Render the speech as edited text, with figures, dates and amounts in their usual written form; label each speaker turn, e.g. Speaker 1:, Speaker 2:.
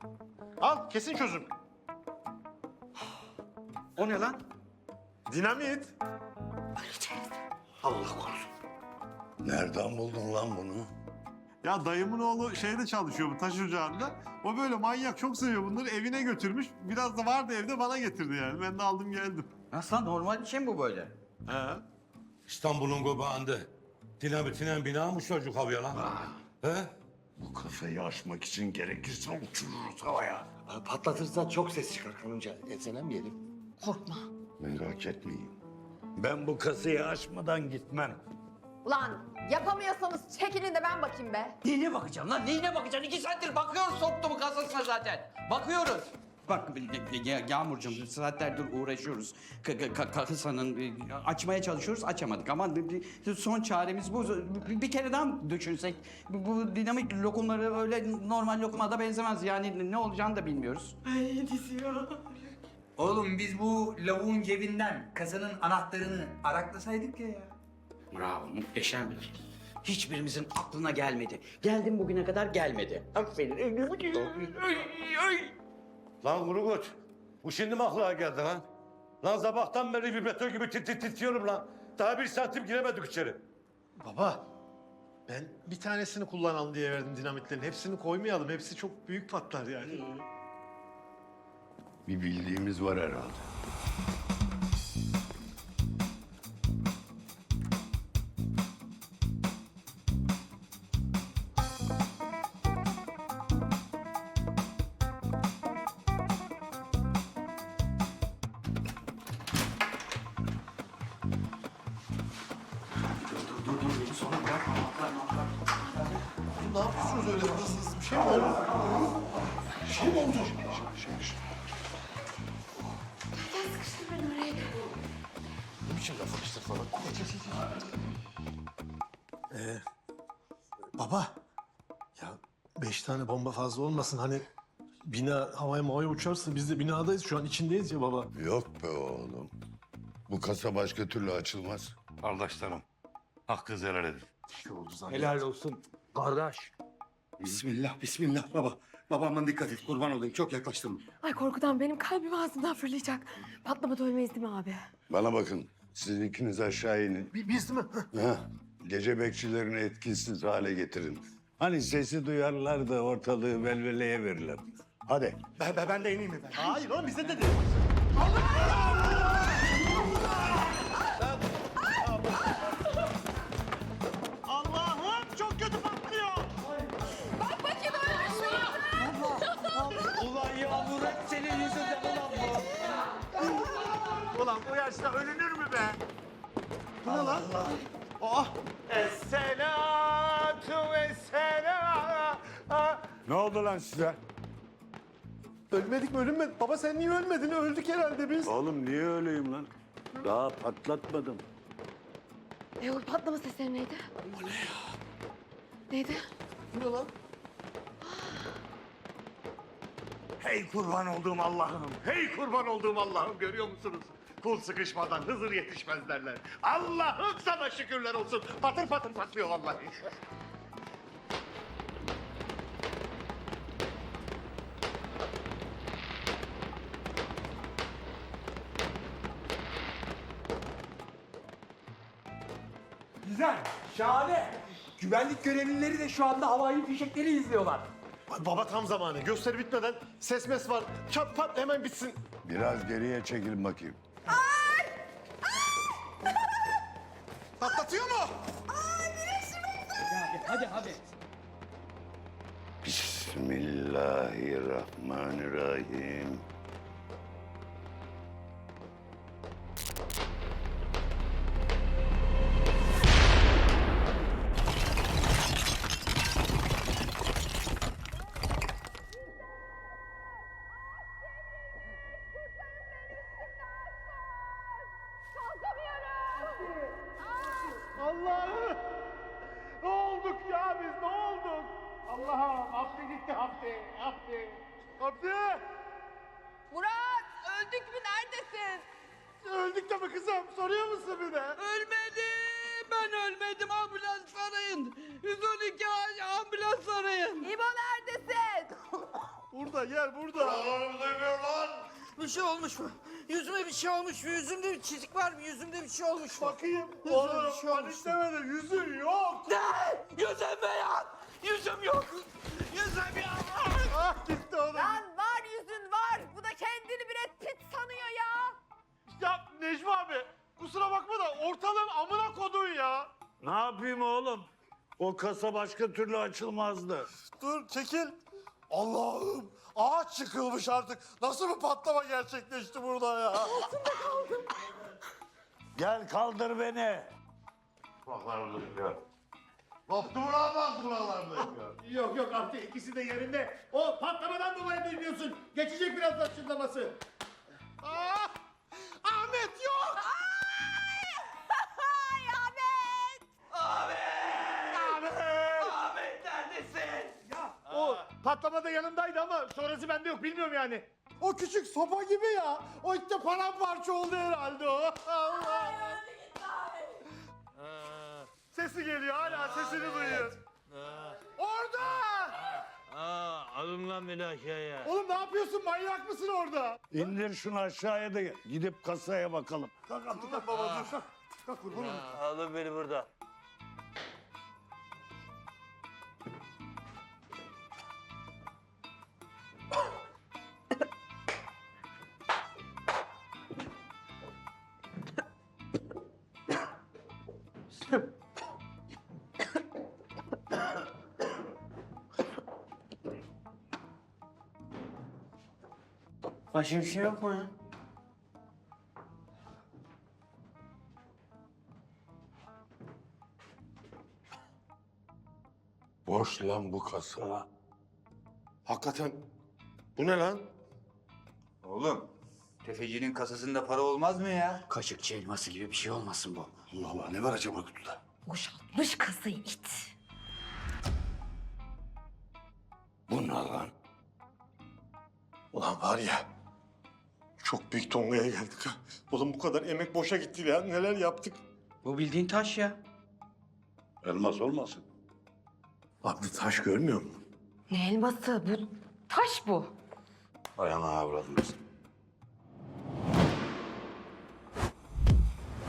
Speaker 1: Al kesin çözüm.
Speaker 2: O ne lan?
Speaker 1: Dinamit.
Speaker 2: Allah korusun.
Speaker 3: Nereden buldun lan bunu?
Speaker 1: Ya dayımın oğlu şeyde çalışıyor bu taş ocağında. O böyle manyak çok seviyor bunları evine götürmüş. Biraz da vardı evde bana getirdi yani. Ben de aldım geldim.
Speaker 2: Nasıl lan, normal bir şey mi bu böyle?
Speaker 1: He.
Speaker 3: İstanbul'un göbeğinde. Dinamitine bina mı çocuk havaya lan? He?
Speaker 4: Bu kasayı aşmak için gerekirse uçururuz havaya.
Speaker 5: Patlatırsa çok ses çıkar kanınca. Etselenmeyelim.
Speaker 6: Korkma.
Speaker 4: Merak etmeyin.
Speaker 3: Ben bu kasayı açmadan gitmem.
Speaker 6: Ulan yapamıyorsanız çekilin de ben bakayım be.
Speaker 2: Neyine bakacağım lan? Neyine bakacaksın? 2 saattir bakıyoruz soktuğumu kasasına zaten. Bakıyoruz. Bak Yağmurcuğum saatlerdir uğraşıyoruz. Kasanın açmaya çalışıyoruz, açamadık. Ama son çaremiz bu. Bir kere daha düşünsek. Bu dinamik lokumları öyle normal lokumada benzemez. Yani ne olacağını da bilmiyoruz.
Speaker 7: Oğlum biz bu lavuğun cebinden kasanın anahtarını araklasaydık ya.
Speaker 2: Bravo, muhteşem bir fikir. Hiçbirimizin aklına gelmedi. Geldim bugüne kadar gelmedi. Aferin.
Speaker 3: Lan Kurugut, bu şimdi mi aklına geldi lan? Lan sabahtan beri vibratör gibi titriyorum lan. Daha 1 santim giremedik içeri.
Speaker 1: Baba ben bir tanesini kullanalım diye verdim dinamitlerin. Hepsini koymayalım. Hepsi çok büyük patlar yani.
Speaker 4: Bir bildiğimiz var herhalde.
Speaker 1: Ne yapıyorsunuz öyle hızlı? Bir şey mi oldu? Bir şey mi oldu? Ne biçim laf atıştır falan? Baba. Ya 5 tane bomba fazla olmasın. Hani bina havaya uçarsa biz de binadayız. Şu an içindeyiz ya baba.
Speaker 4: Yok be oğlum. Bu kasa başka türlü açılmaz.
Speaker 3: Kardeşlerim, hakkınızı helal edin.
Speaker 5: Helal olsun kardeş. Bismillah, bismillah baba. Babamdan dikkat et, kurban olayım. Çok yaklaştım.
Speaker 6: Ay korkudan benim kalbim ağzımdan fırlayacak. Patlamadan ölmeyiz değil mi abi?
Speaker 4: Bana bakın. Sizin ikiniz aşağı inin.
Speaker 1: Biz değil mi?
Speaker 4: Ha, gece bekçilerini etkisiz hale getirin. Hani sesi duyarlar da ortalığı velveleye verirler. Hadi.
Speaker 5: Ben de ineyim efendim.
Speaker 1: Hayır oğlum bize dedi. Allah'ım çok kötü patlıyor.
Speaker 6: Bak bakayım ölmüş mü?
Speaker 2: Ulan Yağmur hep senin yüzünden ulan bu.
Speaker 1: Ulan bu yaşta ölünür mü be? Bu ne lan? Oh! Esselatu vesselam.
Speaker 4: Ne oldu lan size?
Speaker 1: Ölmedik mi ölünmedik? Baba sen niye ölmedin? Öldük herhalde biz.
Speaker 4: Oğlum niye öyleyim lan? Daha patlatmadım.
Speaker 6: O patlama sesleri neydi? O ne ya? Neydi?
Speaker 1: Bu ne lan?
Speaker 4: Hey kurban olduğum Allah'ım. Hey kurban olduğum Allah'ım. Görüyor musunuz? Kul sıkışmadan Hızır yetişmez derler. Allah'ım sana şükürler olsun. Patır patır patlıyor vallahi.
Speaker 7: Güzel, şahane. Güvenlik görevlileri de şu anda havai fişekleri izliyorlar.
Speaker 1: Baba tam zamanı. Gösteri bitmeden ses mes var. Çat pat hemen bitsin.
Speaker 4: Biraz geriye çekilin bakayım.
Speaker 1: Patlatıyor mu?
Speaker 7: Hadi.
Speaker 4: Bismillahirrahmanirrahim.
Speaker 1: Allah'ım! Ne olduk ya biz? Ne olduk? Allah'ım! Abdi gitti Abdi! Abdi! Abdi!
Speaker 6: Murat öldük mü neredesin?
Speaker 1: Öldük de mi kızım? Soruyor musun bir de?
Speaker 2: Ölmedim. Ben ölmedim. Ambulans arayın. 112 ambulans arayın.
Speaker 6: İbo neredesin?
Speaker 1: Burada gel burada.
Speaker 2: Bir şey olmuş mu? Yüzüme bir şey olmuş mu? Yüzümde bir çizik var mı? Yüzümde bir şey olmuş mu?
Speaker 1: Bakayım.
Speaker 2: Yüzüme
Speaker 1: Oğlum
Speaker 2: bir şey olmuş mu?
Speaker 1: panikleme de yüzün yok.
Speaker 2: Ne? Yüzüm beyaz! Yüzüm yok! Yüzüm yok!
Speaker 1: Ah gitti oğlum.
Speaker 6: Lan var yüzün var. Bu da kendini Brad Pitt sanıyor ya.
Speaker 1: Ya Necmi abi kusura bakma da ortalığın amına kodun ya.
Speaker 3: Ne yapayım oğlum? O kasa başka türlü açılmazdı.
Speaker 1: Dur çekil. Allah'ım ağaç çıkılmış artık. Nasıl bir patlama gerçekleşti burada ya?
Speaker 3: Gel kaldır beni.
Speaker 1: Koptu mu lan bak buralarda ya?
Speaker 4: Yok yok Abdi ikisi de yerinde. O patlamadan dolayı duymuyorsun. Geçecek birazdan çınlaması.
Speaker 1: Ah! Ahmet yok!
Speaker 6: Ay Ahmet.
Speaker 2: Ahmet neredesin?
Speaker 4: O patlamada yanımdaydı ama sonrası bende yok bilmiyorum yani.
Speaker 1: O küçük sopa gibi ya. O işte paramparça oldu herhalde o. Allah! Sesi geliyor hala sesini duyuyor. Orada!
Speaker 3: Alın lan beni aşağıya.
Speaker 1: Oğlum ne yapıyorsun manyak mısın orada?
Speaker 3: İndir şunu aşağıya da gidip kasaya bakalım.
Speaker 1: Kalk Abdülhamit baba dur. Kalk kurban olayım.
Speaker 3: Alın beni burada.
Speaker 2: Başka bir şey yok mu ya?
Speaker 3: Boş lan bu kasa.
Speaker 5: Hakikaten
Speaker 3: Bu ne lan?
Speaker 8: Oğlum, tefecinin kasasında para olmaz mı ya?
Speaker 2: Kaşıkçı elması gibi bir şey olmasın bu.
Speaker 5: Allah Allah ne var acaba kutuda?
Speaker 6: Boşaltmış kasayı it.
Speaker 5: Bu ne lan? Ulan var ya çok büyük tongaya geldik ha. Oğlum bu kadar emek boşa gitti ya. Neler yaptık?
Speaker 2: Bu bildiğin taş ya.
Speaker 3: Elmas olmasın?
Speaker 5: Abla taş görmüyor musun?
Speaker 6: Ne elması bu? Taş bu.
Speaker 5: Ayağına avradımız.